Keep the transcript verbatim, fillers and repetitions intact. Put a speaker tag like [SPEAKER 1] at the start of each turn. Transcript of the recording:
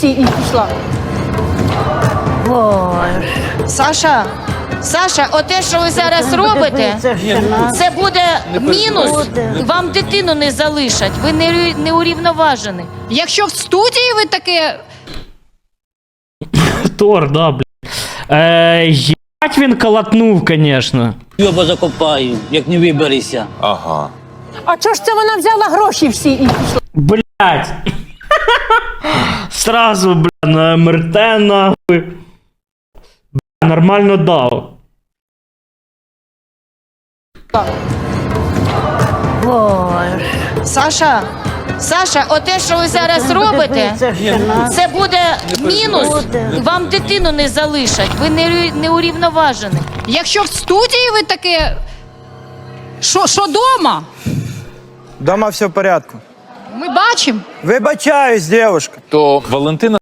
[SPEAKER 1] і пішла.
[SPEAKER 2] Саша, Саша, оте, що ви зараз робите, це буде мінус. Вам дитину не залишать, ви не, не урівноважені.
[SPEAKER 1] Якщо в студії ви таке...
[SPEAKER 3] Тор, да, блядь. Е, єбать він колотнув, конечно.
[SPEAKER 4] Йоба закопаю, як не виберешся.
[SPEAKER 5] Ага.
[SPEAKER 1] А чого ж це вона взяла гроші всі і пішла?
[SPEAKER 3] Блядь. Сразу, бля, на ем ер те, нахуй. Бля, нормально дав.
[SPEAKER 2] Саша, Саша, оте, що ви зараз робите, це буде мінус. Вам дитину не залишать, ви не, не урівноважені.
[SPEAKER 1] Якщо в студії ви таке... Що, що дома?
[SPEAKER 6] Дома все в порядку.
[SPEAKER 1] Ми бачимо.
[SPEAKER 6] Вибачаюсь, девушка.
[SPEAKER 5] То Валентина